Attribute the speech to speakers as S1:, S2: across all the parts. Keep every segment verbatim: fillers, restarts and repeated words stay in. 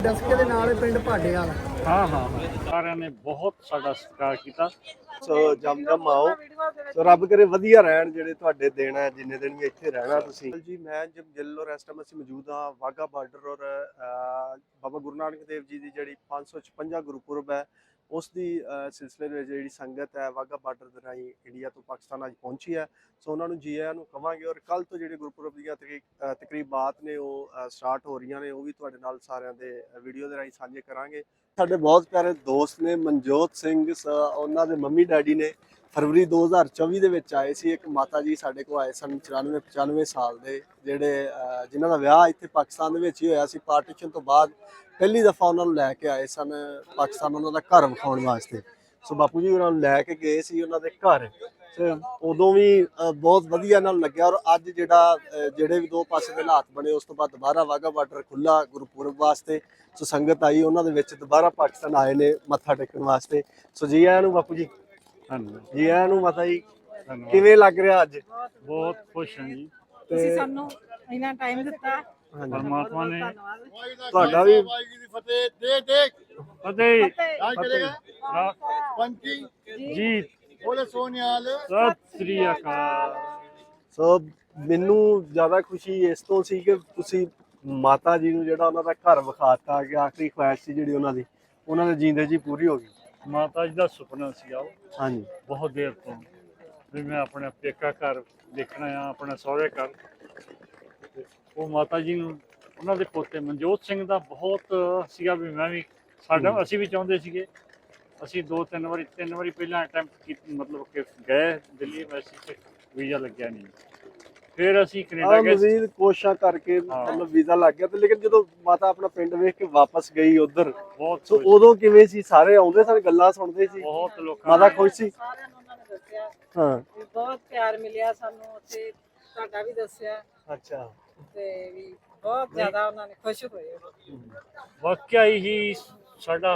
S1: ਦਸਕੇ ਦੇ ਨਾਲ ਪਿੰਡ ਭਾਡੇ ਵਾਲਾ।
S2: हाँ हाँ हाँ सारे ने बहुत साडा सत्कार किया।
S3: ਸੋ ਜਮ ਜਮ ਆਓ। ਸੋ ਰੱਬ ਕਰੇ ਵਧੀਆ ਰਹਿਣ ਜਿਹੜੇ ਤੁਹਾਡੇ ਦਿਨ ਹੈ, ਜਿੰਨੇ ਦਿਨ ਵੀ ਇੱਥੇ ਰਹਿਣਾ ਤੁਸੀਂ ਜੀ। ਮੈਂ ਜਬ ਜੱਲੋ ਇਸ ਟਾਈਮ ਅਸੀਂ ਮੌਜੂਦ ਹਾਂ ਵਾਹਗਾ ਬਾਰਡਰ ਔਰ ਬਾਬਾ ਗੁਰੂ ਨਾਨਕ ਦੇਵ ਜੀ ਦੀ ਜਿਹੜੀ ਪੰਜ ਸੌ ਛਪੰਜਾ ਗੁਰਪੁਰਬ ਹੈ ਉਸ ਦੀ ਸਿਲਸਿਲੇ ਦੇ ਵਿੱਚ ਜਿਹੜੀ ਸੰਗਤ ਹੈ ਵਾਹਗਾ ਬਾਰਡਰ ਦੇ ਰਾਹੀਂ ਇੰਡੀਆ ਤੋਂ ਪਾਕਿਸਤਾਨ ਅੱਜ ਪਹੁੰਚੀ ਹੈ। ਸੋ ਉਹਨਾਂ ਨੂੰ ਜੀ ਆਇਆਂ ਨੂੰ ਕਵਾਂਗੇ ਔਰ ਕੱਲ ਤੋਂ ਜਿਹੜੇ ਗੁਰਪੁਰਬ ਦੀਆਂ ਤਕਰੀਬਾਤ ਨੇ ਉਹ ਸਟਾਰਟ ਹੋ ਰਹੀਆਂ ਨੇ, ਉਹ ਵੀ ਤੁਹਾਡੇ ਨਾਲ ਸਾਰਿਆਂ ਦੇ ਵੀਡੀਓ ਦੇ ਰਾਹੀਂ ਸਾਂਝੇ ਕਰਾਂਗੇ। ਸਾਡੇ ਬਹੁਤ ਪਿਆਰੇ ਦੋਸਤ ਨੇ ਮਨਜੋਤ ਸਿੰਘ, ਉਹਨਾਂ ਦੇ ਮੰਮੀ ਡੈਡੀ ਨੇ ਫਰਵਰੀ ਦੋ ਹਜ਼ਾਰ ਚੌਵੀ ਦੇ ਵਿੱਚ ਆਏ ਸੀ। ਇੱਕ ਮਾਤਾ ਜੀ ਸਾਡੇ ਕੋਲ ਆਏ ਸਨ ਚੁਰਾਨਵੇਂ ਪਚਾਨਵੇਂ ਸਾਲ ਦੇ, ਜਿਹੜੇ ਜਿਨ੍ਹਾਂ ਦਾ ਵਿਆਹ ਇੱਥੇ ਪਾਕਿਸਤਾਨ ਦੇ ਵਿੱਚ ਹੀ ਹੋਇਆ ਸੀ। ਪਾਰਟੀਸ਼ਨ ਤੋਂ ਬਾਅਦ ਪਹਿਲੀ ਦਫਾ ਉਹਨਾਂ ਨੂੰ ਲੈ ਕੇ ਆਏ ਸਨ ਪਾਕਿਸਤਾਨ, ਉਹਨਾਂ ਦਾ ਘਰ ਵਿਖਾਉਣ ਵਾਸਤੇ। ਸੋ ਬਾਪੂ ਜੀ ਉਹਨਾਂ ਨੂੰ ਲੈ ਕੇ ਗਏ ਸੀ ਉਹਨਾਂ ਦੇ ਘਰ, ਉਦੋਂ ਵੀ ਬਹੁਤ ਵਧੀਆ ਨਾਲ ਲੱਗਿਆ। ਔਰ ਅੱਜ ਜਿਹੜਾ ਜਿਹੜੇ ਵੀ ਦੋ ਪਾਸੇ ਦੇ ਹਾਲਾਤ ਬਣੇ, ਉਸ ਤੋਂ ਬਾਅਦ ਦੁਬਾਰਾ ਵਾਹਗਾ ਬਾਰਡਰ ਖੁੱਲਾ ਗੁਰਪੁਰਬ ਵਾਸਤੇ। ਸੋ ਸੰਗਤ ਆਈ, ਉਹਨਾਂ ਦੇ ਵਿੱਚ ਦੁਬਾਰਾ ਪਾਕਿਸਤਾਨ ਆਏ ਨੇ ਮੱਥਾ ਟੇਕਣ ਵਾਸਤੇ। ਸੋ ਜੀ ਆਇਆਂ ਨੂੰ ਬਾਪੂ ਜੀ। ਜੀ ਆਇਆਂ ਨੂੰ ਮਾਤਾ ਜੀ। ਕਿਵੇਂ ਲੱਗ ਰਿਹਾ ਅੱਜ?
S2: बहुत खुश हैं जी।
S4: ਤੁਸੀਂ ਸਾਨੂੰ ਇੰਨਾ ਟਾਈਮ ਦਿੱਤਾ,
S2: परमात्मा ने
S3: ਤੁਹਾਡਾ ਵੀ
S2: फतेह जी सत श्री अकाल।
S3: ਸੋ ਮੈਨੂੰ ਜ਼ਿਆਦਾ ਖੁਸ਼ੀ ਇਸ ਤੋਂ ਸੀ ਕਿ ਤੁਸੀਂ ਮਾਤਾ ਜੀ ਨੂੰ ਜਿਹੜਾ ਉਹਨਾਂ ਦਾ ਘਰ ਵਿਖਾਤਾ, ਕਿ ਆਖਰੀ ਖੁਆਇਸ਼ ਸੀ ਜਿਹੜੀ ਉਹਨਾਂ ਦੀ, ਉਹਨਾਂ ਦੇ ਜੀਂਦੇ ਜੀ ਪੂਰੀ ਹੋ ਗਈ।
S2: माता जी का सुपना सी आओ
S3: ਹਾਂਜੀ
S2: बहुत देर तो भी मैं अपने पेका घर देखना आ, अपने सहुरे घर। ਤੇ ਉਹ ਮਾਤਾ ਜੀ ਨੂੰ ਉਹਨਾਂ ਦੇ ਪੋਤੇ ਮਨਜੋਤ ਸਿੰਘ ਦਾ ਬਹੁਤ ਸੀਗਾ ਵੀ ਮੈਂ ਵੀ ਸਾਡਾ ਅਸੀਂ ਵੀ ਚਾਹੁੰਦੇ ਸੀਗੇ। ਅਸੀਂ ਦੋ ਤਿੰਨ ਵਾਰੀ ਤਿੰਨ ਵਾਰੀ ਪਹਿਲਾਂ ਅਟੈਂਪਟ ਕੀਤੀ, ਮਤਲਬ ਕਿ ਗਏ ਦਿੱਲੀ ਵੈਸੇ ਤੇ ਵੀਜ਼ਾ ਲੱਗਿਆ ਨਹੀਂ। ਫਿਰ ਅਸੀਂ ਕੈਨੇਡਾ ਗਏ,
S3: ਮਜ਼ੀਦ ਕੋਸ਼ਿਸ਼ਾਂ ਕਰਕੇ ਮਤਲਬ ਵੀਜ਼ਾ ਲੱਗ ਗਿਆ। ਤੇ ਲੇਕਿਨ ਜਦੋਂ ਮਾਤਾ ਆਪਣਾ ਪਿੰਡ ਵੇਖ ਕੇ ਵਾਪਸ ਗਈ ਉਧਰ,
S2: ਬਹੁਤ
S3: ਸੋ ਉਦੋਂ ਕਿਵੇਂ ਸੀ? ਸਾਰੇ ਆਉਂਦੇ ਸਨ, ਗੱਲਾਂ ਸੁਣਦੇ ਸੀ,
S2: ਬਹੁਤ ਲੋਕਾਂ
S3: ਮਾਤਾ ਖੁਸ਼ ਸੀ?
S4: ਸਾਰਿਆਂ ਨੂੰ ਉਹਨਾਂ ਨੇ ਦੱਸਿਆ,
S3: ਹਾਂ
S4: ਵੀ ਬਹੁਤ ਪਿਆਰ ਮਿਲਿਆ ਸਾਨੂੰ ਉੱਥੇ, ਤੁਹਾਡਾ ਵੀ ਦੱਸਿਆ
S3: ਅੱਛਾ।
S4: ਤੇ ਵੀ ਬਹੁਤ ਜ਼ਿਆਦਾ ਉਹਨਾਂ ਨੇ ਖੁਸ਼ ਹੋਏ।
S2: ਵਾਕਿਆ ਹੀ ਸਾਡਾ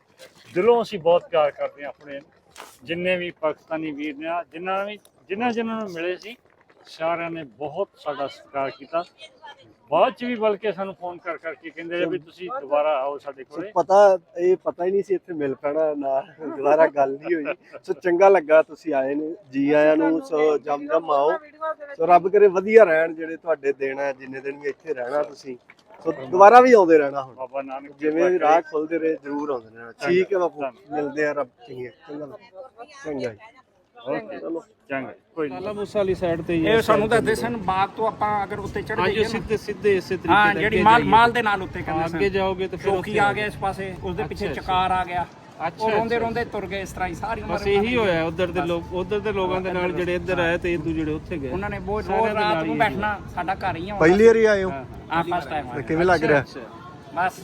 S2: ਦਿਲੋਂ ਅਸੀਂ ਬਹੁਤ ਪਿਆਰ ਕਰਦੇ ਹਾਂ ਆਪਣੇ ਜਿੰਨੇ ਵੀ ਪਾਕਿਸਤਾਨੀ ਵੀਰ ਨੇ, ਜਿਨ੍ਹਾਂ ਵੀ ਜਿਨ੍ਹਾਂ ਜਿਨ੍ਹਾਂ ਨੂੰ ਮਿਲੇ ਸੀ ਸਾਰਿਆਂ ਨੇ ਬਹੁਤ ਸਾਡਾ ਸਤਿਕਾਰ ਕੀਤਾ। ਬਾਅਦ ਚ ਵੀ ਬਲਕਿ ਸਾਨੂੰ ਫੋਨ ਕਰ ਕਰਕੇ ਕਹਿੰਦੇ ਰਹੇ ਵੀ ਤੁਸੀਂ ਦੁਬਾਰਾ ਆਓ ਸਾਡੇ ਕੋਲੇ।
S3: ਪਤਾ ਇਹ ਪਤਾ ਹੀ ਨਹੀਂ ਸੀ ਇੱਥੇ ਮਿਲ ਪੈਣਾ ਨਾ, ਦੁਬਾਰਾ ਗੱਲ ਨਹੀਂ ਹੋਈ। ਸੋ ਚੰਗਾ ਲੱਗਾ ਤੁਸੀਂ ਆਏ ਨੇ, ਜੀ ਆਇਆਂ ਨੂੰ। ਸੋ ਜਮ ਜਮ ਆਓ। ਸੋ ਰੱਬ ਕਰੇ ਵਧੀਆ ਰਹਿਣ ਜਿਹੜੇ ਤੁਹਾਡੇ ਦਿਨ ਹੈ, ਜਿੰਨੇ ਦਿਨ ਵੀ ਇੱਥੇ ਰਹਿਣਾ ਤੁਸੀਂ। ਸੋ ਦੁਬਾਰਾ ਵੀ ਆਉਂਦੇ ਰਹਿਣਾ, ਹੁਣ
S2: ਬਾਬਾ ਨਾਨਕ
S3: ਜਿਵੇਂ ਵੀ ਰਾਹ ਖੁੱਲਦੇ ਰਹੇ ਜ਼ਰੂਰ ਆਉਂਦੇ ਰਹਿਣਾ। ਠੀਕ ਹੈ ਬਾਪੂ, ਮਿਲਦੇ ਆ। ਰੱਬ ਚੰਗਾ ਚੰਗਾ ਚੰਗਾ
S2: ਓਕੇ ਚਲੋ ਚੰਗਾ ਕੋਈ ਨਹੀਂ।
S5: ਲਾਲਾ ਮੂਸਾ ਵਾਲੀ ਸਾਈਡ ਤੇ ਹੀ
S6: ਇਹ ਸਾਨੂੰ ਦੱਸਦੇ ਸਨ ਬਾਗ ਤੋਂ ਆਪਾਂ ਅਗਰ ਉੱਤੇ ਚੜ
S5: ਹਾਂਜੀ
S6: ਜਾਈਏ
S5: ਸਿੱਧੇ ਸਿੱਧੇ ਇਸੇ ਤਰੀਕੇ
S6: ਹਾਂ
S5: ਨਾਲ
S6: ਜਿਹੜੀ
S5: ਅੱਗੇ
S6: ਮਾਲ
S5: ਜਾਈਏ।
S6: ਮਾਲ ਦੇ ਨਾਲ ਉੱਤੇ ਕਹਿੰਦੇ
S5: ਅੱਗੇ ਜਾਓਗੇ ਤੇ ਫਿਰ
S6: ਚੌਕੀ
S5: ਉੱਥੇ
S6: ਆ ਗਿਆ ਇਸ ਪਾਸੇ, ਉਸਦੇ ਪਿੱਛੇ
S5: ਅੱਛਾ,
S6: ਚਕਾਰ ਆ ਗਿਆ।
S5: ਅੱਛਾ,
S6: ਉਹ ਰੋਂਦੇ
S5: ਅੱਛਾ।
S6: ਰੋਂਦੇ ਤੁਰ ਗਏ ਇਸ ਤਰ੍ਹਾਂ ਹੀ ਸਾਰੀ ਉਮਰ।
S5: ਬਸ ਇਹੀ ਹੋਇਆ ਉਧਰ ਦੇ ਲੋਕ, ਉਧਰ ਦੇ ਲੋਕਾਂ ਦੇ ਨਾਲ ਜਿਹੜੇ ਇੱਧਰ ਆਏ ਤੇ ਇਦੋਂ ਜਿਹੜੇ ਉੱਥੇ ਗਏ।
S6: ਉਹਨਾਂ ਨੇ ਬਹੁਤ
S5: ਸਾਰਿਆਂ
S6: ਰੋਜ਼
S5: ਦੇ
S6: ਰਾਤ
S5: ਨਾਲ
S6: ਨੂੰ
S5: ਹੀ
S6: ਬੈਠਣਾ, ਸਾਡਾ ਘਰ ਹੀ ਆ
S3: ਪਹਿਲੀ ਵਾਰੀ ਆਏ ਹੋ?
S6: ਹਾਂ ਫਸਟ ਟਾਈਮ
S3: ਤੇ ਕਿਵੇਂ ਲੱਗ ਰਿਹਾ?
S6: ਬਸ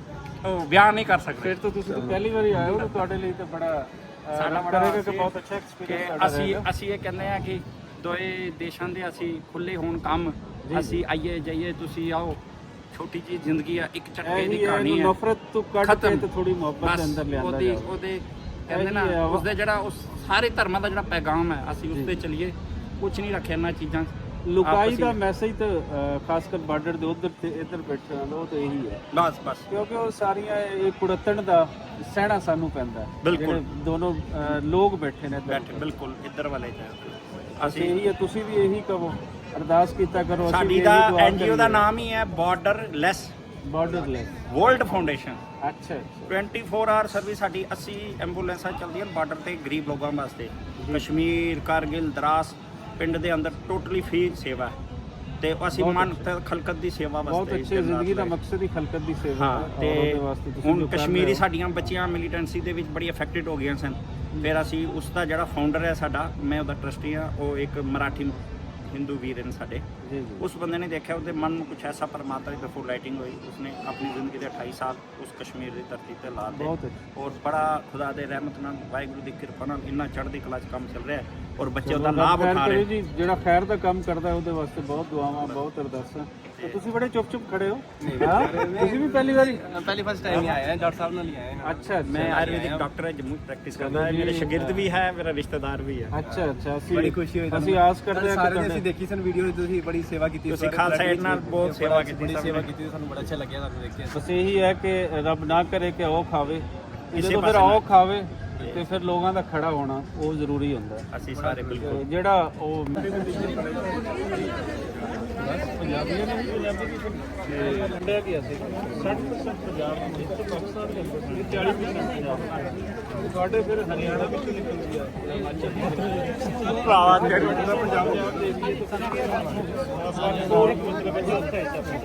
S6: ਉਹ ਬਿਆਨ ਨਹੀਂ ਕਰ ਸਕਦੇ।
S5: ਫਿਰ ਤਾਂ ਤੁਸੀਂ ਤਾਂ ਪਹਿਲੀ ਵਾਰੀ ਆਏ ਹੋ, ਤਾਂ ਤੁਹਾਡੇ ਲਈ ਤਾਂ ਬੜਾ
S6: ਸਾਡਾ ਬੜਾ
S5: ਕਰੇਗਾ ਕਿ ਬਹੁਤ ਅੱਛਾ ਐਕਸਪੀਰੀਅੰਸ
S6: ਅਸੀਂ ਅਸੀਂ ਇਹ ਕਹਿੰਦੇ ਆ ਕਿ ਦੋਏ ਦੇਸ਼ਾਂ ਦੇ ਅਸੀਂ ਖੁੱਲੇ ਹੋਣ ਕੰਮ, ਅਸੀਂ ਆਈਏ ਜਾਈਏ, ਤੁਸੀਂ ਆਓ। ਛੋਟੀ ਜਿਹੀ ਜ਼ਿੰਦਗੀ ਆ, ਇੱਕ ਝਟਕੇ ਦੀ ਕਹਾਣੀ ਹੈ।
S5: ਨਫ਼ਰਤ ਤੋਂ ਕੱਢ ਕੇ ਤੇ ਥੋੜੀ ਮੁਹੱਬਤ ਦੇ ਅੰਦਰ ਲਿਆਂਦਾ
S6: ਉਹਦੀ
S5: ਜਾਵੇ।
S6: ਉਹਦੇ ਕਹਿੰਦੇ ਨਾ ਉਸਦੇ ਜਿਹੜਾ ਉਸ ਸਾਰੇ ਧਰਮਾਂ ਦਾ ਜਿਹੜਾ ਪੈਗਾਮ ਹੈ, ਅਸੀਂ ਉਸ ਤੇ ਚੱਲੀਏ। ਕੁਝ ਨਹੀਂ ਰੱਖਿਆ ਇਹਨਾਂ ਚੀਜ਼ਾਂ 'ਚ।
S5: ਲੁਕਾਈ ਦਾ ਮੈਸੇਜ ਤਾਂ ਖਾਸ ਕਰ ਬਾਰਡਰ ਦੇ ਉਧਰ ਤੇ ਇੱਧਰ ਬੈਠੇ ਹਨ, ਉਹ ਤਾਂ ਇਹੀ ਹੈ
S6: ਬਸ ਬਸ
S5: ਕਿਉਂਕਿ ਉਹ ਸਾਰੀਆਂ ਇਹ ਕੁੜੱਤਣ ਦਾ ਸਹਿਣਾ ਸਾਨੂੰ ਪੈਂਦਾ।
S6: ਬਿਲਕੁਲ।
S5: ਦੋਨੋਂ ਲੋਕ ਬੈਠੇ ਨੇ ਇੱਧਰ।
S6: ਬੈਠੇ ਬਿਲਕੁਲ ਇੱਧਰ ਵਾਲੇ
S5: ਅਸੀਂ
S6: ਅਸੀਂ
S5: ਇਹੀ ਹੈ, ਤੁਸੀਂ ਵੀ ਇਹੀ ਕਹੋ, ਅਰਦਾਸ ਕੀਤਾ ਕਰੋ। ਅਸੀਂ
S6: ਸਾਡੀ
S5: ਵੀ
S6: ਦਾ
S5: ਇਹੀ ਦੁਆ
S6: ਐਨਜੀਓ ਦਾ ਨਾਮ ਹੀ ਹੈ border less
S5: borderless.
S6: World foundation.
S5: ਅੱਛਾ ਅੱਛਾ।
S6: ਟਵੈਂਟੀ ਫੋਰ ਆਵਰ ਸਰਵਿਸ ਸਾਡੀ ਅੱਸੀ ਐਂਬੂਲੈਂਸਾਂ ਚੱਲਦੀਆਂ ਨੇ ਬਾਰਡਰ ਤੇ ਗਰੀਬ ਲੋਕਾਂ ਵਾਸਤੇ। ਕਸ਼ਮੀਰ, ਕਾਰਗਿਲ, ਦਰਾਸ ਪਿੰਡ ਦੇ ਅੰਦਰ ਟੋਟਲੀ ਫ੍ਰੀ ਸੇਵਾ ਹੈ ਤੇ ਅਸੀਂ ਮਨ ਤੇ ਖਲਕਤ ਦੀ ਸੇਵਾ ਵਾਸਤੇ।
S5: ਬਹੁਤ ਅੱਛੀ ਜ਼ਿੰਦਗੀ ਦਾ ਮਕਸਦ ਹੀ ਖਲਕਤ ਦੀ ਸੇਵਾ ਹੈ।
S6: ਹਾਂ ਤੇ ਹੁਣ ਕਸ਼ਮੀਰੀ ਸਾਡੀਆਂ ਬੱਚੀਆਂ ਮਿਲੀਟੈਂਸੀ ਦੇ ਵਿੱਚ ਬੜੀ ਅਫੈਕਟਡ ਹੋ ਗਈਆਂ ਸਨ। ਫਿਰ ਅਸੀਂ ਉਸ ਦਾ ਜਿਹੜਾ ਫਾਊਂਡਰ ਹੈ ਸਾਡਾ, ਮੈਂ ਉਹਦਾ ਟਰਸਟੀ ਹਾਂ, ਉਹ ਇੱਕ ਮਰਾਠੀ ਹਿੰਦੂ ਵੀਰ ਨੇ ਸਾਡੇ। ਉਸ ਬੰਦੇ ਨੇ ਦੇਖਿਆ, ਉਹਦੇ ਮਨ ਨੂੰ ਕੁਛ ਐਸਾ ਪਰਮਾਤਮਾ ਦੀ ਤਰਫੋਂ ਲਾਈਟਿੰਗ ਹੋਈ। ਉਸਨੇ ਆਪਣੀ ਜ਼ਿੰਦਗੀ ਦੇ ਅਠਾਈ ਸਾਲ ਉਸ ਕਸ਼ਮੀਰ ਦੀ ਧਰਤੀ ਤੇ ਲਾ ਦਿੱਤੇ। ਔਰ ਬੜਾ ਖੁਦਾ ਦੇ ਰਹਿਮਤ ਨਾਲ, ਵਾਹਿਗੁਰੂ ਦੀ ਕਿਰਪਾ ਨਾਲ ਇੰਨਾ ਚੜ੍ਹਦੀ ਕਲਾ 'ਚ ਕੰਮ ਚੱਲ ਰਿਹਾ ਹੈ ਔਰ ਬੱਚੇ ਉਹਦਾ ਲਾਭ ਉਠਾ ਰਹੇ।
S5: ਜੀ ਜਿਹੜਾ ਖੈਰ ਦਾ ਕੰਮ ਕਰਦਾ ਉਹਦੇ ਵਾਸਤੇ ਬਹੁਤ ਦੁਆਵਾਂ, ਬਹੁਤ ਅਰਦਾਸਾਂ।
S6: ਤੇ
S5: ਤੁਸੀਂ ਬੜੇ ਚੁੱਪ ਚੁੱਪ ਖੜੇ ਹੋ ਹਾਂ ਤੁਸੀਂ ਵੀ ਪਹਿਲੀ ਵਾਰੀ
S7: पहली फर्स्ट टाइम ही आए हैं डॉक्टर साहब नाल ही आए हैं
S5: ਅੱਛਾ
S6: ਮੈਂ ਆਯੁਰਵੈਦਿਕ ਡਾਕਟਰ ਹਾਂ ਜੰਮੂ ਪ੍ਰੈਕਟਿਸ ਕਰਦਾ ਹਾਂ ਮੇਰੇ ਸ਼ਾਗਿਰਦ ਵੀ ਹੈ ਮੇਰਾ ਰਿਸ਼ਤੇਦਾਰ ਵੀ ਹੈ
S5: ਅੱਛਾ ਅੱਛਾ ਅਸੀਂ
S7: बड़ी खुशी हुई
S5: ਅਸੀਂ ਆਸ ਕਰਦੇ ਹਾਂ ਕਿ
S7: सारे ने
S5: ਤੁਹਾਡੇ
S7: ਅਸੀਂ ਦੇਖੀ ਸਨ ਵੀਡੀਓ ਤੁਸੀਂ ਬੜੀ ਸੇਵਾ ਕੀਤੀ
S6: ਤੁਸੀਂ ਖਾਲਸਾ ਏਡ ਨਾਲ ਬਹੁਤ ਸੇਵਾ ਕੀਤੀ
S7: ਬੜੀ
S6: ਸਭ
S7: ਸੇਵਾ
S6: ਨੇ।
S7: ਕੀਤੀ ਸਾਨੂੰ ਬੜਾ ਅੱਛਾ ਲੱਗਿਆ ਤੁਹਾਨੂੰ ਦੇਖ ਕੇ
S5: ਬਸ ਇਹੀ ਹੈ ਕਿ ਰੱਬ ਨਾ ਕਰੇ ਕਿ ਉਹ ਖਾਵੇ
S6: ਇਸੇ
S5: ਜਦੋਂ ਫਿਰ
S6: ਪਾਸੇ
S5: ਉਹ ਖਾਵੇ ਤੇ ਫਿਰ ਲੋਕਾਂ ਦਾ ਖੜਾ ਹੋਣਾ ਉਹ ਜ਼ਰੂਰੀ ਹੁੰਦਾ ਹੈ।
S6: ਅਸੀਂ ਸਾਰੇ ਬਿਲਕੁਲ
S5: ਤੇ ਜਿਹੜਾ ਉਹ ਪੰਜਾਬੀਆਂ ਨੇ ਵੀ ਪੰਜਾਬੀ ਦੀ ਤੇ ਲੰਡਿਆ ਗਿਆ ਸੀ ਸੱਠ percent ਪੰਜਾਬ ਦੇ ਵਿੱਚ ਪਾਕਿਸਤਾਨ ਦੇ ਅੰਦਰ ਚਾਲੀ percent ਪੰਜਾਬ ਤੁਹਾਡੇ ਫਿਰ ਹਰਿਆਣਾ ਵਿੱਚ ਨਿਕਲਦੀ ਆ ਹਿਮਾਚਲ ਭਰਾਵਾ ਤੇ ਪੰਜਾਬ ਦੇ ਏਰੀਏ ਤੋਂ ਸਾਰੇ ਹੋਰ ਮਤਲਬ ਹੈ ਉੱਥੇ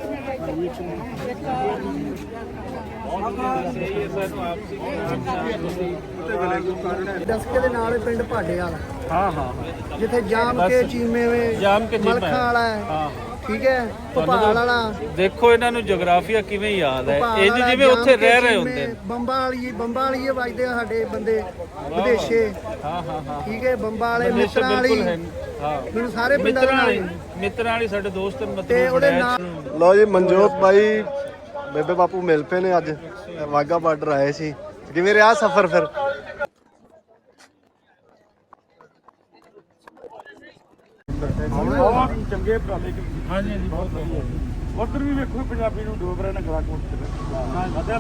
S1: ਦਸਕੇ ਦੇ ਨਾਲ ਹੀ ਪਿੰਡ ਭਾਡੇ ਵਾਲਾ
S5: ਹਾਂ ਹਾਂ
S1: ਜਿੱਥੇ ਜਾਮ ਕੇ ਚੀਮੇ ਵੇ
S5: ਜਾਮ ਕੇ ਚੀਮੇ।
S1: ਮਲਖਾਂ ਵਾਲਾ ਹੈ
S5: ਹਾਂ
S1: ਠੀਕ ਹੈ ਭੋਪਾਲ ਵਾਲਾ
S5: ਦੇਖੋ ਇਹਨਾਂ ਨੂੰ ਜੀਓਗ੍ਰਾਫੀਆ ਕਿਵੇਂ ਯਾਦ ਹੈ
S1: ਭੋਪਾਲ
S5: ਇਹ
S1: ਵਾਲਾ,
S5: ਜਿਵੇਂ
S1: ਜਾਮ
S5: ਉੱਥੇ
S1: ਕੇ
S5: ਰਹਿ ਰਹੇ
S1: ਚੀਮੇ,
S5: ਹੁੰਦੇ ਨੇ
S1: ਬੰਬਾਂ ਵਾਲੀ ਬੰਬਾਂ ਵਾਲੀ ਵੱਜਦੇ ਆ ਸਾਡੇ ਬੰਦੇ ਵਿਦੇਸ਼ੇ
S5: ਹਾਂ ਹਾਂ ਹਾਂ
S1: ਠੀਕ ਹੈ ਬੰਬਾਂ ਵਾਲੇ
S5: ਵਿਦੇਸ਼ੇ
S1: ਮਿੱਤਰਾਂ ਵਾਲੀ
S5: ਬਿਲਕੁਲ ਹੈ ਹਾਂ
S1: ਮੈਨੂੰ ਸਾਰੇ ਪਿੰਡਾਂ ਦੇ
S5: ਮਿੱਤਰਾਂ
S1: ਨਾਲ
S5: ਵਾਲੀ ਮਿੱਤਰਾਂ ਵਾਲੀ ਸਾਡੇ ਦੋਸਤ ਨੇ ਮਤਲਬ
S1: ਤੇ ਉਹਦੇ
S5: ਬੜੈਚ।
S1: ਨਾਲ
S3: ਲਓ ਜੀ ਮਨਜੋਤ ਬਾਈ ਬੇਬੇ ਬਾਪੂ ਮਿਲ ਪਏ ਨੇ ਅੱਜ ਵਾਗਾ ਬਾਰਡਰ ਆਏ ਸੀ ਕਿਵੇਂ ਰਿਹਾ ਸਫ਼ਰ ਫਿਰ
S2: ਚੰਗੇ ਉਪਰਾਲੇ ਹਾਂਜੀ ਹਾਂਜੀ ਬਹੁਤ ਵਧੀਆ ਉਧਰ ਵੀ ਵੇਖੋ ਪੰਜਾਬੀ ਨੂੰ ਡੋਬਰੇ ਨੇ ਗਲਾ ਕੋਟ ਤੇ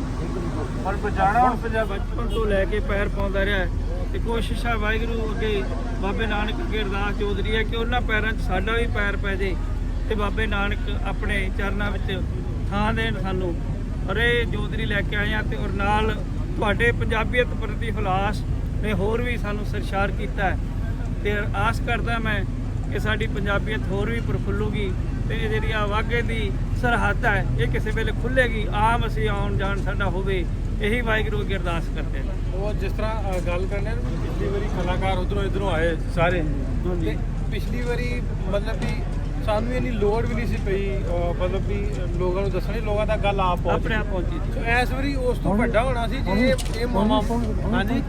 S5: ਪਰ ਬਚਾਣਾ ਹੁਣ ਪੰਜਾਬ ਬਚਪਨ ਤੋਂ ਲੈ ਕੇ ਪੈਰ ਪਾਉਂਦਾ ਰਿਹਾ ਹੈ ਤੇ ਕੋਸ਼ਿਸ਼ ਆ ਵਾਹਿਗੁਰੂ ਅੱਗੇ ਬਾਬੇ ਨਾਨਕ ਅੱਗੇ ਅਰਦਾਸ ਚੌਧਰੀ ਹੈ ਕਿ ਉਹਨਾਂ ਪੈਰਾਂ 'ਚ ਸਾਡਾ ਵੀ ਪੈਰ ਪੈ ਜੇ ਤੇ ਬਾਬੇ ਨਾਨਕ ਆਪਣੇ ਚਰਨਾਂ ਵਿੱਚ ਥਾਂ ਦੇਣ ਸਾਨੂੰ ਅਰੇ ਚੌਧਰੀ ਲੈ ਕੇ ਆਏ ਆ ਤੇ ਔਰ ਨਾਲ ਤੁਹਾਡੇ ਪੰਜਾਬੀਅਤ ਪ੍ਰਤੀ ਹੁਲਾਸ ਨੇ ਹੋਰ ਵੀ ਸਾਨੂੰ ਸਰਸ਼ਾਰ ਕੀਤਾ ਹੈ ਤੇ ਆਸ ਕਰਦਾ ਮੈਂ ਕਿ ਸਾਡੀ ਪੰਜਾਬੀਅਤ ਹੋਰ ਵੀ ਪ੍ਰਫੁੱਲੂਗੀ ਤੇ ਇਹ ਜਿਹੜੀ ਆ ਵਾਘੇ ਦੀ ਸਰਹੱਦ ਹੈ ਇਹ ਕਿਸੇ ਵੇਲੇ ਖੁੱਲੇਗੀ ਆਮ ਅਸੀਂ ਆਉਣ ਜਾਣ ਸਾਡਾ ਹੋਵੇ ਇਹੀ ਵਾਹਿਗੁਰੂ ਅੱਗੇ ਅਰਦਾਸ ਕਰਦੇ ਨੇ
S7: ਉਹ ਜਿਸ ਤਰ੍ਹਾਂ ਗੱਲ ਕਰਨੇ ਆ ਨਾ ਪਿਛਲੀ ਵਾਰੀ ਕਲਾਕਾਰ ਉਧਰੋਂ ਇਧਰੋਂ ਆਏ ਸਾਰੇ ਤੇ ਪਿਛਲੀ ਵਾਰੀ ਮਤਲਬ ਵੀ ਸਾਨੂੰ ਇੰਨੀ ਲੋੜ ਵੀ ਨਹੀਂ ਸੀ ਪਈ ਅਹ ਮਤਲਬ ਵੀ ਲੋਕਾਂ ਨੂੰ ਦੱਸਣੀ ਲੋਕਾਂ ਦਾ ਗੱਲ ਆਪ ਪਹੁੰਚ
S5: ਆਪਣੇ ਆਪ ਪਹੁੰਚੀ ਸੀ।
S7: ਸੋ ਇਸ ਵਾਰੀ ਉਸ ਤੋਂ ਵੱਡਾ ਹੋਣਾ ਸੀ ਜੇ ਇਹ ਇਹ ਮਾਮਾ ਹਾਂਜੀ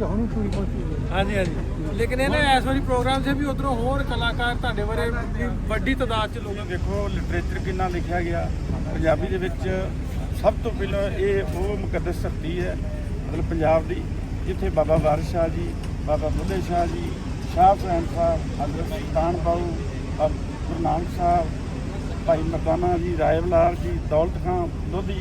S7: ਹਾਂਜੀ ਹਾਂਜੀ ਲੇਕਿਨ ਇਹਨੇ ਇਸ ਵਾਰੀ ਪ੍ਰੋਗਰਾਮ ਸੇ ਵੀ ਉਧਰੋਂ ਹੋਰ ਕਲਾਕਾਰ ਤੁਹਾਡੇ ਬਾਰੇ ਵੀ ਵੱਡੀ ਤਾਦਾਦ ਚ ਲੋਕ
S8: ਦੇਖੋ ਲਿਟਰੇਚਰ ਕਿੰਨਾ ਲਿਖਿਆ ਗਿਆ ਪੰਜਾਬੀ ਦੇ ਵਿੱਚ ਸਭ ਤੋਂ ਪਹਿਲਾਂ ਇਹ ਉਹ ਮੁਕੱਦਸ ਧਰਤੀ ਹੈ ਮਤਲਬ ਪੰਜਾਬ ਦੀ ਜਿੱਥੇ ਬਾਬਾ ਵਾਰਿਸ ਸ਼ਾਹ ਜੀ ਬਾਬਾ ਬੁੱਢੇ ਸ਼ਾਹ ਜੀ ਸ਼ਾਹ ਹੁਸੈਨ ਸਾਹਿਬ ਹਜ਼ਰਤ ਸੁਲਤਾਨ ਬਾਊ ਔਰ ਗੁਰੂ ਨਾਨਕ ਸਾਹਿਬ ਭਾਈ ਮਰਦਾਨਾ ਜੀ ਰਾਏਵਲਾਲ ਜੀ ਦੌਲਤ ਖਾਂ ਲੋਧੀ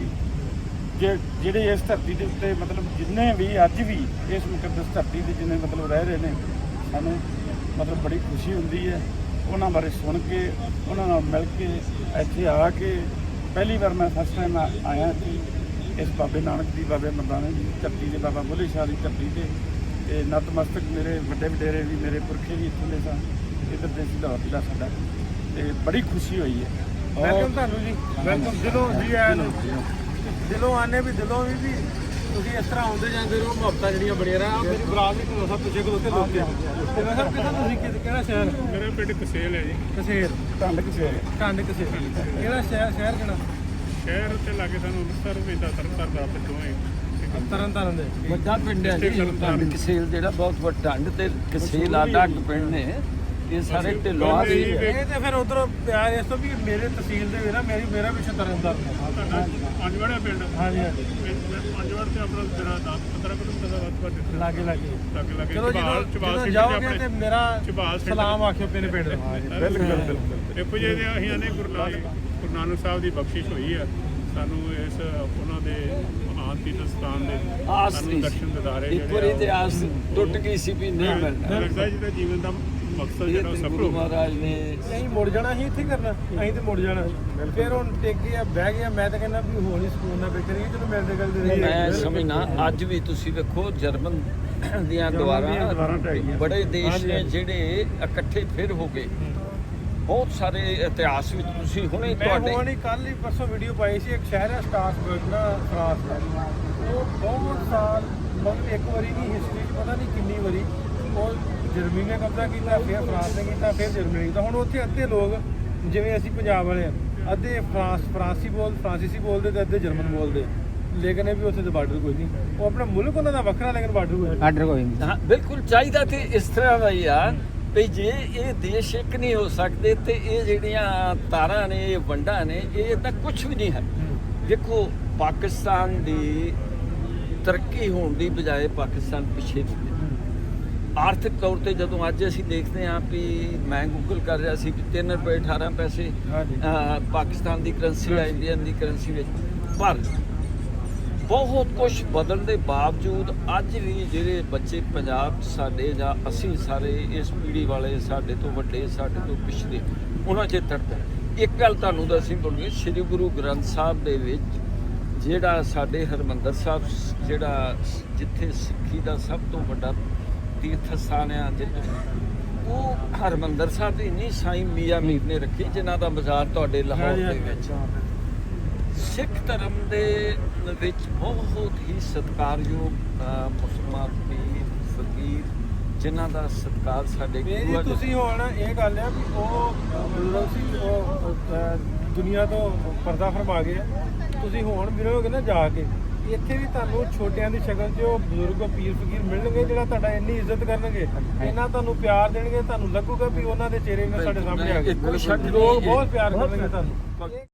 S8: ਜੇ ਜਿਹੜੇ ਇਸ ਧਰਤੀ ਦੇ ਉੱਤੇ ਮਤਲਬ ਜਿੰਨੇ ਵੀ ਅੱਜ ਵੀ ਇਸ ਮੁਕੱਦਸ ਧਰਤੀ ਦੇ ਜਿੰਨੇ ਮਤਲਬ ਰਹਿ ਰਹੇ ਨੇ ਸਾਨੂੰ ਮਤਲਬ ਬੜੀ ਖੁਸ਼ੀ ਹੁੰਦੀ ਹੈ ਉਹਨਾਂ ਬਾਰੇ ਸੁਣ ਕੇ ਉਹਨਾਂ ਨਾਲ ਮਿਲ ਕੇ ਇੱਥੇ ਆ ਕੇ ਪਹਿਲੀ ਵਾਰ ਮੈਂ ਫਸਟ ਟਾਈਮ ਆਇਆ ਸੀ ਇਸ ਬਾਬੇ ਨਾਨਕ ਦੀ ਬਾਬੇ ਮਰਦਾਨਾ ਦੀ ਧਰਤੀ ਦੇ ਬਾਬਾ ਬੁੱਢੇ ਸ਼ਾਹ ਦੀ ਧਰਤੀ ਤੇ ਤੇ ਨਤਮਸਤਕ ਮੇਰੇ ਵੱਡੇ ਵਡੇਰੇ ਵੀ ਮੇਰੇ ਪੁਰਖੇ ਵੀ ਇੱਥੋਂ ਦੇ ਸਨ ਇੱਧਰ ਦੇ ਸਿਧਾਰਥ ਜ਼ਿਲ੍ਹਾ ਸਾਡਾ ਤੇ ਬੜੀ ਖੁਸ਼ੀ ਹੋਈ ਹੈ
S7: ਵੈਲਕਮ ਤੁਹਾਨੂੰ ਜੀ ਵੈਲਕਮ ਦਿਲੋਂ ਜੀ ਆਇਆਂ ਨੂੰ ਦਿਲੋਂ ਆਨੇ ਵੀ ਦਿਲੋਂ ਵੀ ਵੀ ਤੁਸੀਂ ਇਸ ਤਰ੍ਹਾਂ ਆਉਂਦੇ ਜਾਂਦੇ ਰਹੋ ਮੁਹੱਬਤਾਂ ਜਿਹੜੀਆਂ ਬੜੀਆਂ ਰਹਾ ਮੇਰੀ ਬਰਾਤ ਵੀ ਤੁਹਾਨੂੰ ਸਭ ਪਿੱਛੇ ਕੋਲ ਉੱਤੇ ਲੋਕ ਤੇ ਮੈਂ ਸਭ ਕਿਹਦਾ ਤੁਸੀਂ ਕਿ- ਕਿਹੜਾ ਸ਼ਹਿਰ
S2: ਮੇਰਾ ਪਿੰਡ ਕਸੇਲ ਹੈ ਜੀ
S7: ਕਸੇਰ
S8: ਢੰਡ ਕਿਸੇ
S7: ਟੰਡ ਕਸੇਰ ਕਿਹੜਾ ਸ਼ਹਿਰ ਸ਼ਹਿਰ ਕਿਹੜਾ
S2: ਸ਼ਹਿਰ ਉੱਤੇ ਲਾਗੇ ਸਾਨੂੰ ਅੰਮ੍ਰਿਤਸਰ ਵੀ ਦਾ ਤਰਨਤਾਰਨ ਦਾ ਪਿੰਡੋਂ ਹੈ
S7: ਤਰਨ ਤਾਰਨ ਦੇ
S9: ਵੱਡਾ ਪਿੰਡ ਹੈ ਜੀ ਢੰਡ ਕਸੇਲ ਜਿਹੜਾ ਬਹੁਤ ਵੱਡਾ ਢੰਡ ਤੇ ਕਸੇਲ ਆਡਾ ਪਿੰਡ ਨੇ ਇਹ ਸਾਰੇ ਢਿੱਲੋਂ ਦੇ
S7: ਇਹ ਤੇ ਫਿਰ ਉਧਰੋਂ ਪਿਆਰ ਇਸ ਤੋਂ ਵੀ ਮੇਰੇ ਤਹਿਸੀਲ ਦੇ ਵੀ ਨਾ ਮੇਰੀ ਮੇਰਾ ਪਿੱਛੇ ਤਰਨ ਤਾਰਨ
S2: ਪੰਜਵਾੜਾ ਪਿੰਡ
S7: ਹਾਂਜੀ ਹਾਂਜੀ
S2: ਪੰਜਵਾੜ ਤੇ ਆਪਣਾ ਜਿਹੜਾ ਦਸ ਪੰਦਰਾਂ ਕਿਲੋਮੀਟਰ ਦਾ ਵੱਧ
S7: ਲਾਗੇ ਲਾਗੇ
S2: ਲੱਗੇ ਲੱਗੇ
S7: ਚਲੋ ਜਦੋਂ
S2: ਚਬਾਲ
S7: ਜਦੋਂ
S2: ਸਿੰਘ
S7: ਜਾਓਗੇ ਤੇ ਮੇਰਾ
S2: ਚਬਾਲ ਸਿੰਘ
S7: ਸਲਾਮ ਆਖਿਓ ਮੇਰੇ ਪਿੰਡ ਦਾ
S2: ਬਿਲਕੁਲ ਬਿਲਕੁਲ ਦੇਖੋ ਜੀ ਇਹਦੇ ਅਸੀਂ ਆਨੇ ਗੁਰੂ ਨਾਨਕ ਗੁਰੂ ਨਾਨਕ ਸਾਹਿਬ ਦੀ ਬਖਸ਼ਿਸ਼ ਹੋਈ ਹੈ ਸਾਨੂੰ ਇਸ ਉਹਨਾਂ ਦੇ ਮਹਾਨ ਤੀਰਥ ਸਥਾਨ ਦੇ
S9: ਆਸ
S2: ਸਾਨੂੰ
S9: ਨਹੀਂ
S2: ਦਰਸ਼ਨ ਦਿਦਾਰੇ
S9: ਇੱਕ ਵਾਰੀ ਤੇ ਆਸ ਟੁੱਟ ਗਈ ਸੀ ਵੀ ਨਹੀਂ ਮਿਲਣਾ
S2: ਲੱਗਦਾ ਜਿਹਦਾ ਜੀਵਨ ਦਾ ਮਕਸਦ
S9: ਇਹ
S2: ਜਿਹੜਾ ਉਹ
S9: ਤੇ
S2: ਸਫਲ
S9: ਗੁਰੂ
S2: ਹੋ ਗਿਆ
S9: ਮਹਾਰਾਜ ਨੇ
S7: ਅਸੀਂ ਮੁੜ ਜਾਣਾ ਸੀ ਇੱਥੇ ਕਰਨਾ ਅਸੀਂ ਤੇ ਮੁੜ ਜਾਣਾ ਫਿਰ ਹੁਣ ਟਿਕ ਗਿਆ ਬਹਿ ਗਿਆ ਮੈਂ ਤਾਂ ਕਹਿੰਦਾ ਵੀ ਹੋਰ ਹੀ ਸਕੂਨ ਨਾਲ ਬੈਠੇ ਰਹੀਏ ਚਲੋ ਮਿਲਦੇ ਗੱਲ ਦੇ
S9: ਮੈਂ ਸਮਝਣਾ ਅੱਜ ਵੀ ਤੁਸੀਂ ਵੇਖੋ ਜਰਮਨ ਦੀਆਂ ਦੁਆਰਾ ਬੜੇ ਦੇਸ਼ ਨੇ ਜਿਹੜੇ ਇਕੱਠੇ ਫਿਰ ਹੋ ਗਏ ਬਹੁਤ ਸਾਰੇ ਇਤਿਹਾਸ ਵਿੱਚ ਤੁਸੀਂ ਹੁਣੇ
S7: ਮੈਂ
S9: ਤੁਹਾਡੇ
S7: ਹੁਣ ਹੀ ਕੱਲ ਹੀ ਪਰਸੋਂ ਵੀਡੀਓ ਪਾਈ ਸੀ ਇੱਕ ਸ਼ਹਿਰ ਹੈ ਸਟਾਰਸਬਰਗ ਨਾ ਫਰਾਂਸ ਦਾ ਉਹ ਬਹੁਤ ਸਾਲ ਮਤਲਬ ਇੱਕ ਵਾਰੀ ਨਹੀਂ ਹਿਸਟਰੀ 'ਚ ਪਤਾ ਨਹੀਂ ਕਿੰਨੀ ਵਾਰੀ ਉਹ ਜਰਮਨੀ ਨੇ ਕਬਜ਼ਾ ਕੀਤਾ ਫਿਰ ਫਰਾਂਸ ਨੇ ਕੀਤਾ ਫਿਰ ਜਰਮਨੀ ਨੇ ਕੀਤਾ ਹੁਣ ਉੱਥੇ ਅੱਧੇ ਲੋਕ ਜਿਵੇਂ ਅਸੀਂ ਪੰਜਾਬ ਵਾਲੇ ਆ ਅੱਧੇ ਫਰਾਂਸ ਫਰਾਂਸੀ ਬੋਲ ਫਰਾਂਸੀਸੀ ਬੋਲਦੇ ਤੇ ਅੱਧੇ ਜਰਮਨ ਬੋਲਦੇ ਲੇਕਿਨ ਇਹ ਵੀ ਉੱਥੇ ਤੇ ਬਾਰਡਰ ਕੋਈ ਨਹੀਂ ਉਹ ਆਪਣਾ ਮੁਲਕ ਉਹਨਾਂ ਦਾ ਵੱਖਰਾ ਲੇਕਿਨ ਬਾਰਡਰ ਕੋਈ
S9: ਆਰਡਰ ਕੋਈ ਨਹੀਂ ਹਾਂ ਬਿਲਕੁਲ ਚਾਹੀਦਾ ਤੇ ਇਸ ਤਰ੍ਹਾਂ ਦਾ ਹੀ ਆ ਵੀ ਜੇ ਇਹ ਦੇਸ਼ ਇੱਕ ਨਹੀਂ ਹੋ ਸਕਦੇ ਤੇ ਇਹ ਜਿਹੜੀਆਂ ਤਾਰਾਂ ਨੇ, ਇਹ ਵੰਡਾਂ ਨੇ, ਇਹ ਤਾਂ ਕੁਝ ਵੀ ਨਹੀਂ ਹੈ। ਦੇਖੋ ਪਾਕਿਸਤਾਨ ਦੀ ਤਰੱਕੀ ਹੋਣ ਦੀ ਬਜਾਏ ਪਾਕਿਸਤਾਨ ਪਿੱਛੇ ਨਹੀਂ ਹੈ। ਆਰਥਿਕ ਤੌਰ ਤੇ ਜਦੋਂ ਅੱਜ ਅਸੀਂ ਦੇਖਦੇ ਹਾਂ ਵੀ ਮੈਂ ਗੂਗਲ ਕਰ ਰਿਹਾ ਸੀ ਵੀ ਤਿੰਨ ਰੁਪਏ ਅਠਾਰਾਂ ਪੈਸੇ ਅਹ, ਪਾਕਿਸਤਾਨ ਦੀ ਕਰੰਸੀ ਆ ਇੰਡੀਅਨ ਦੀ ਕਰੰਸੀ ਵਿੱਚ, ਪਰ ਬਹੁਤ ਕੁਝ ਬਦਲਣ ਦੇ ਬਾਵਜੂਦ ਅੱਜ ਵੀ ਜਿਹੜੇ ਬੱਚੇ ਪੰਜਾਬ 'ਚ ਸਾਡੇ ਜਾਂ ਅਸੀਂ ਸਾਰੇ ਇਸ ਪੀੜ੍ਹੀ ਵਾਲੇ, ਸਾਡੇ ਤੋਂ ਵੱਡੇ, ਸਾਡੇ ਤੋਂ ਪਿਛਲੇ, ਉਹਨਾਂ 'ਚ ਤਰਦਾ। ਇੱਕ ਗੱਲ ਤੁਹਾਨੂੰ ਦੱਸੀ ਬੋਲੂਗੀ, ਸ੍ਰੀ ਗੁਰੂ ਗ੍ਰੰਥ ਸਾਹਿਬ ਦੇ ਵਿੱਚ ਜਿਹੜਾ ਸਾਡੇ ਹਰਿਮੰਦਰ ਸਾਹਿਬ, ਜਿਹੜਾ ਜਿੱਥੇ ਸਿੱਖੀ ਦਾ ਸਭ ਤੋਂ ਵੱਡਾ ਤੀਰਥ ਸਥਾਨ ਆ, ਜਿੱਥੇ ਉਹ ਹਰਿਮੰਦਰ ਸਾਹਿਬ ਦੀ ਨਹੀਂ ਸਾਈਂ ਮੀਆਂ ਮੀਰ ਨੇ ਰੱਖੀ, ਜਿਨ੍ਹਾਂ ਦਾ ਮਜ਼ਾਰ ਤੁਹਾਡੇ ਲਾਹੌਰ ਦੇ ਵਿੱਚ। ਸਿੱਖ ਧਰਮ ਦੇ ਵਿੱਚ ਬਹੁਤ ਹੀ ਸਤਿਕਾਰਯੋਗ ਮੁਸਲਮਾਨ ਪੀਰ ਫਕੀਰ, ਜਿਨ੍ਹਾਂ ਦਾ ਸਤਿਕਾਰ ਸਾਡੇ
S7: ਮੇਰੀ ਤੁਸੀਂ ਹੁਣ ਇਹ ਗੱਲ ਆ ਵੀ ਉਹ ਬਜ਼ੁਰਗ ਸੀ, ਉਹ ਅਹ, ਦੁਨੀਆ ਤੋਂ ਪਰਦਾ ਫਰਮਾ ਗਏ ਆ। ਤੁਸੀਂ ਹੁਣ ਮਿਲੋਗੇ ਨਾ ਜਾ ਕੇ, ਇੱਥੇ ਵੀ ਤੁਹਾਨੂੰ ਛੋਟਿਆਂ ਦੀ ਸ਼ਕਲ 'ਚ ਉਹ ਬਜ਼ੁਰਗ ਪੀਰ ਫਕੀਰ ਮਿਲਣਗੇ, ਜਿਹੜਾ ਤੁਹਾਡਾ ਇੰਨੀ ਇੱਜ਼ਤ ਕਰਨਗੇ, ਇੰਨਾ ਤੁਹਾਨੂੰ ਪਿਆਰ ਦੇਣਗੇ, ਤੁਹਾਨੂੰ ਲੱਗੂਗਾ ਵੀ ਉਹਨਾਂ ਦੇ ਚਿਹਰੇ ਨਾਲ ਸਾਡੇ ਸਾਹਮਣੇ ਆ ਗਏ।
S9: ਕੋਈ ਸ਼ੱਕ ਨਹੀਂ,
S7: ਲੋਕ ਬਹੁਤ ਪਿਆਰ ਕਰਨਗੇ ਤੁਹਾਨੂੰ।